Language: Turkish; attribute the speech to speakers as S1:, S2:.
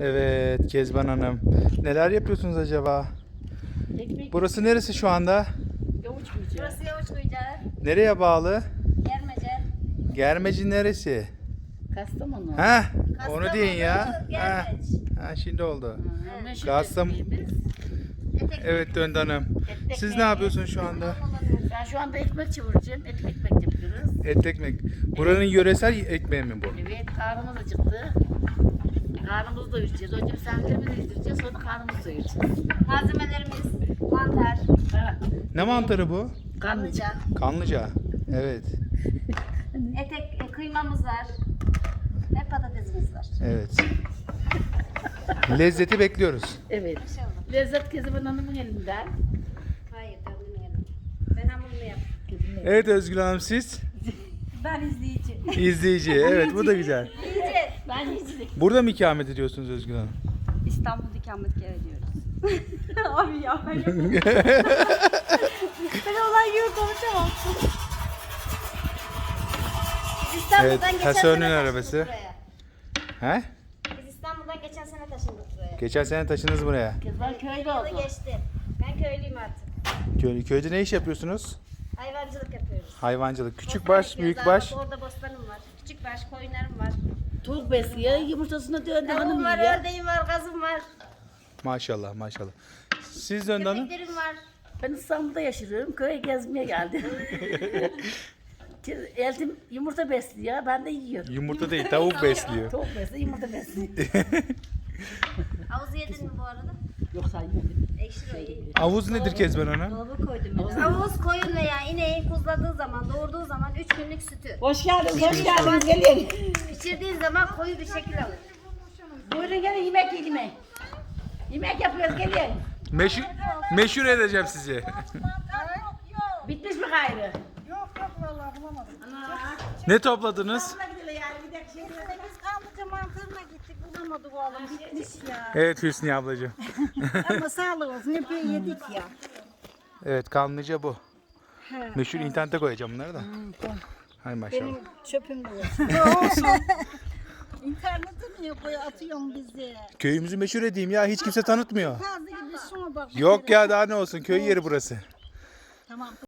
S1: Evet Kezban Hanım. Neler yapıyorsunuz acaba?
S2: Ekmek
S1: Burası neresi şu anda?
S2: yavuç kuyucu.
S3: Burası Yavuç Kuyucağı,
S1: Nereye bağlı?
S3: Germece,
S1: Germeci neresi?
S2: Kastamonu.
S1: Ha? Onu
S3: Kastamonu,
S1: deyin ya. Ha.
S3: Germeç.
S1: Ha, şimdi oldu.
S2: Ha, meşhur
S1: Kastam-
S2: ekmeğimiz.
S3: Etek.
S1: Evet Döndü Hanım. Siz ne yapıyorsunuz şu anda?
S2: Ben şu anda ekmek çevireceğim. Ekmek yapıyoruz.
S1: Et ekmek. Buranın yöresel ekmeği mi bu?
S2: Evet, karnımız acıktı. Karnımızı doyuracağız. Önce misafirlerimizi yedireceğiz, sonra karnımızı doyuracağız.
S3: Malzemelerimiz mantar,
S2: Ha,
S1: Ne mantarı bu?
S2: kanlıca.
S1: Kanlıca. Evet.
S3: etek, kıymamız var ve patatesimiz var.
S1: Evet. Lezzeti bekliyoruz.
S2: Evet.
S3: İnşallah.
S2: Lezzet Kezban Hanım'ın elinden.
S3: Hayır, döndüm yedim. Ben hamurunu yaptım.
S1: Evet Özgül Hanım siz?
S3: Ben izleyici.
S1: İzleyici. Evet bu da güzel.
S3: İyice.
S2: Ben yiyecek.
S1: Burada mı ikamet ediyorsunuz Özgül Hanım?
S3: İstanbul'da ikametgah ediyoruz. Abi ya ben ben olay gibi konuşamam. Biz İstanbul'dan
S1: Evet,
S3: geçen
S1: Hasan'ın
S3: sene taşındık
S1: arabası.
S3: buraya.
S1: He?
S3: Biz İstanbul'dan geçen sene taşındık buraya.
S1: Geçen sene taşındınız buraya.
S2: Kezban köylü
S3: Yılı
S2: oldu.
S3: geçti. Ben köylüyüm artık.
S1: Köyde ne iş yapıyorsunuz?
S3: Hayvancılık yapıyoruz.
S1: Hayvancılık. Küçük
S3: Bostan
S1: baş,
S3: ekiyoruz
S1: büyük
S3: abi.
S1: baş.
S3: Orada bostanım var. Küçük baş, koyunlarım var.
S2: Tavuk besliyor, yumurtasını döndü
S3: Tavuğum
S2: hanım
S3: var,
S2: yiyor.
S3: ördeğim var, gazım var.
S1: Maşallah maşallah. Siz Döndü Hanım?
S3: Köpeklerim var.
S2: Ben İstanbul'da yaşıyorum, köye gezmeye geldim. Eltim yumurta besliyor, ben de yiyorum.
S1: Yumurta değil tavuk besliyor.
S2: Tavuk besliyor, yumurta besliyor.
S3: Havuzu yedin mi bu arada?
S2: Yoksa yemedim.
S3: Ekşi iyi.
S1: Havuz nedir Kezban Hanım?
S3: Dolaba koydum ben. Havuz koyun veya ineğin kuzladığı zaman, doğurduğu zaman 3 günlük sütü.
S2: Hoş geldiniz, hoş geldiniz. Gelin.
S3: İçirdiğin zaman koyu bir şekil alır.
S2: Buyurun gelin, yemek yiyin. Yemek yapıyoruz, gelin.
S1: Meşhur edeceğim sizi.
S2: Bitmiş mi gayrı?
S1: Ne topladınız?
S3: Biz kanlıca mantarına gittik, bulamadık oğlum. Bitmiş ya.
S1: Evet Hüsniye ablacığım.
S3: Ama sağlık olsun, epey yedik ya.
S1: Evet kanlıca bu. Meşhur internete koyacağım bunları da. Hay maşallah.
S3: Çöpüm de olsun. İnternete niye koy atıyorsun bizi?
S1: Köyümüzü meşhur edeyim ya hiç kimse tanıtmıyor.
S3: Kazı gibi şuna bak.
S1: Yok ya daha ne olsun köy yeri burası.
S3: Tamam.